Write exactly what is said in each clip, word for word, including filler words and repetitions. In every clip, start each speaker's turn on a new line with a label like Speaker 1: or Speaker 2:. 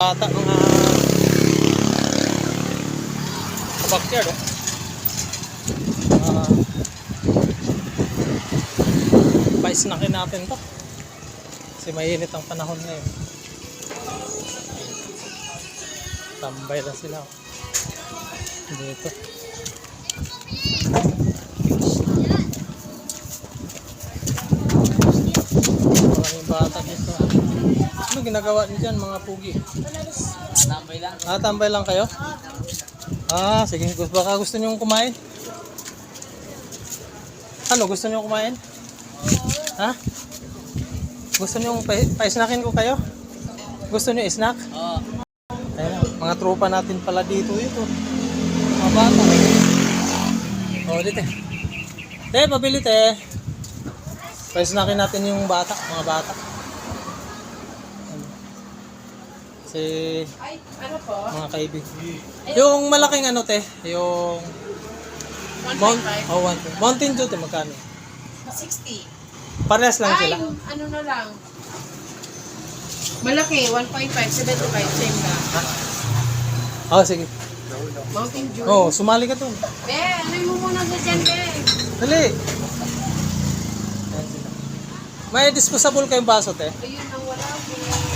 Speaker 1: Bata mga backyard oh. Uh, pa-snackin natin to kasi mainit ang panahon ngayon. Tambay na sila oh. Dito maraming bata dito. Ano ginagawa niyo dyan mga pugi?
Speaker 2: Tambay lang.
Speaker 1: Ah, tambay lang kayo? Ah, sige. Baka gusto niyo kumain? Ano, gusto niyo kumain? Ha? Gusto niyo pa- pa-snackin ko kayo? Gusto niyo snack?
Speaker 2: Oo.
Speaker 1: Ayun, mga tropa natin pala dito ito. Mga bata. Oh, dito. Te, pabili te. Pa-snackin natin yung bata, mga bata. Si
Speaker 3: Ay, ano po?
Speaker 1: mga kaibigan. Yung malaking ano te, yung Mount, oh, one, Mountain Dew te, magkano?
Speaker 3: sixty.
Speaker 1: Parehas lang
Speaker 3: Ay,
Speaker 1: sila.
Speaker 3: ano na lang. Malaki, one point five, seventy-five, same na.
Speaker 1: Oh, sige.
Speaker 3: Mountain Dew.
Speaker 1: Oh, sumali ka dun.
Speaker 3: Be, ano mo muna sa dyan, be?
Speaker 1: Dali. May disposable kayong baso te.
Speaker 3: Ayun ang wala, be.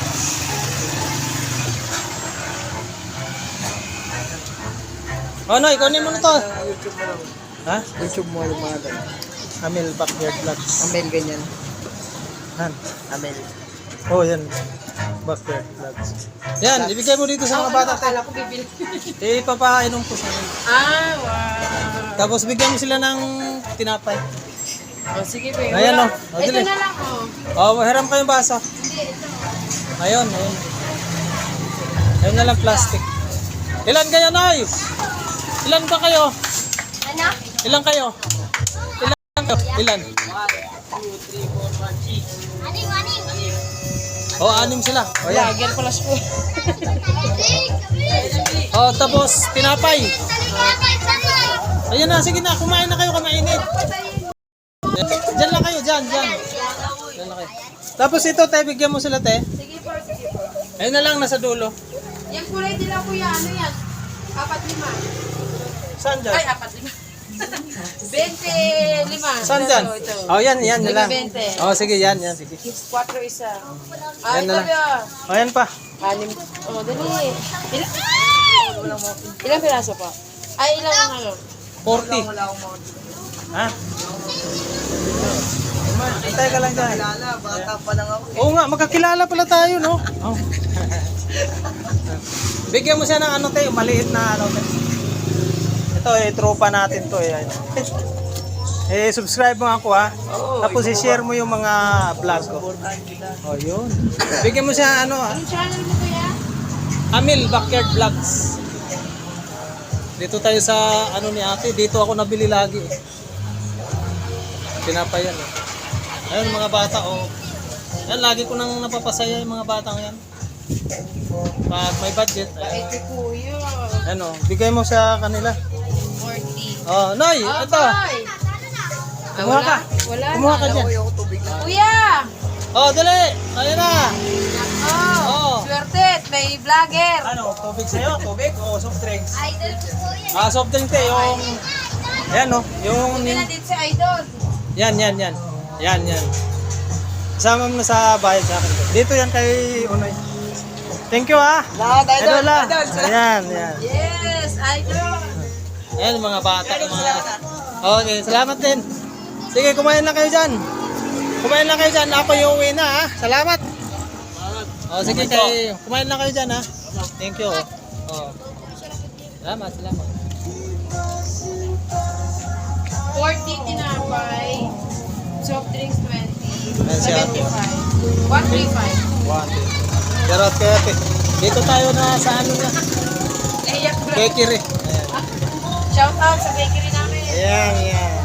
Speaker 1: Oh, no, ikunin mo na to.
Speaker 2: YouTube mo lang.
Speaker 1: Ha?
Speaker 2: YouTube mo yung mga ganyan.
Speaker 1: Amel Backyard Vlogs.
Speaker 2: Amel ganyan.
Speaker 1: Han.
Speaker 2: Amel.
Speaker 1: Oh, yan. Backyard Vlogs. Yan, ibigay mo dito sa mga bata te.
Speaker 3: Akala ko bibili.
Speaker 1: Eh, papainom ko sa kanila.
Speaker 3: Ah, wow.
Speaker 1: Tapos bigyan mo sila ng tinapay.
Speaker 3: Oh, sige, be.
Speaker 1: Ayan,
Speaker 3: Wala.
Speaker 1: oh. Oh,
Speaker 3: Ito
Speaker 1: dali.
Speaker 3: na lang, oh.
Speaker 1: Oh, hiram kayong baso.
Speaker 3: Hindi, ito.
Speaker 1: Ayun, ayun. Ayun na lang plastic. Ilan kayo, Noy? Ilan ba kayo?
Speaker 3: Ano?
Speaker 1: Ilan kayo? Ilan kayo? Ilan?
Speaker 3: Aning, aning.
Speaker 1: Oh, anim sila. Oh, yan.
Speaker 3: Lager pala siya.
Speaker 1: Oh, tapos tinapay. Ayun na, sige na, kumain na kayo, kamainit. Diyan lang kayo, diyan, diyan. Diyan lang kayo. Tapos ito, te, bigyan mo sila, te.
Speaker 3: Sige po, sige po.
Speaker 1: Ayun na lang, nasa dulo.
Speaker 3: Yung kulay nila kuya, ano yan? Apat lima.
Speaker 1: Saan dyan?
Speaker 3: Ay, apat lima. Bente lima.
Speaker 1: Saan dyan?
Speaker 3: Ito, ito.
Speaker 1: Oh, yan, yan, yan lang.
Speaker 3: Bente.
Speaker 1: Oh, sige, yan, yan, sige.
Speaker 3: Quatro isa. Ah,
Speaker 1: Yan
Speaker 3: ito
Speaker 1: na lang.
Speaker 3: ba?
Speaker 1: Oh, yan pa.
Speaker 3: Anim. Oh, dali. Ilan? Ilang piraso pa? Ay, ilang ano?
Speaker 1: forty. Ha? Antay ka lang dyan.
Speaker 2: Kilala, bata pa lang ako.
Speaker 1: Oo nga, magkakilala pala tayo, no? Oh. Bigyan mo siya ng ano tayo, maliit na ano tayo. Ito eh, tropa natin to eh. Eh, subscribe mo ako ha. Tapos i-share mo yung mga vlog ko. Oh, yun. Bigyan mo siya ano ha.
Speaker 3: Anong channel mo kuya?
Speaker 1: Amel Backyard Vlogs. Dito tayo sa ano ni ate. Dito ako nabili lagi eh. Pinapayan eh. Ayun mga bata oh. Yan, lagi ko nang napapasaya yung mga batang yan. Pag may budget. Ayun.
Speaker 3: Ito kuya.
Speaker 1: Ano, bigay mo sa kanila.
Speaker 3: forty.
Speaker 1: Oh, Noy,
Speaker 3: Ah,
Speaker 1: ito.
Speaker 3: boy. Ah,
Speaker 1: Kumuha
Speaker 3: wala.
Speaker 1: ka.
Speaker 3: Wala
Speaker 1: Kumuha
Speaker 3: na.
Speaker 1: ka dyan.
Speaker 2: Ako tubig lang.
Speaker 3: Kuya!
Speaker 1: Oh, dali. Ayun na.
Speaker 3: Oh,
Speaker 1: Oh.
Speaker 3: swerte. May vlogger.
Speaker 1: Ano, tubig sa'yo? Tubig o soft drinks?
Speaker 3: Idol ko po yan.
Speaker 1: Ah, soft drinks eh, yung... Ayan no, yung...
Speaker 3: Hindi na din si Idol.
Speaker 1: Yan, yan, yan. Yan, yan. Kasama mo na sa bayad sa akin. Dito yan kay Unoy. Thank you ha.
Speaker 2: Lahat, idol.
Speaker 1: Idol ha.
Speaker 2: Idol.
Speaker 1: Ayan, yan.
Speaker 3: Yes, Idol.
Speaker 1: Ayan mga bata. Mga... Okay, salamat din. Sige, kumain lang kayo dyan. Kumain lang kayo dyan. Ako yung uwi na ha. Salamat. Oh, sige kay kumain lang kayo dyan ha. Thank you. Oh. Salamat, salamat.
Speaker 3: forty tinapay. Soft drinks twenty.
Speaker 1: Ayan siya.
Speaker 3: seventy-five. one thirty-five.
Speaker 1: One, two. Charot kaya pe. Dito tayo na sa ano na.
Speaker 3: Naiyak bro.
Speaker 1: Bakery. Ayan.
Speaker 3: Shout out sa bakery namin.
Speaker 1: Ayan, ayan.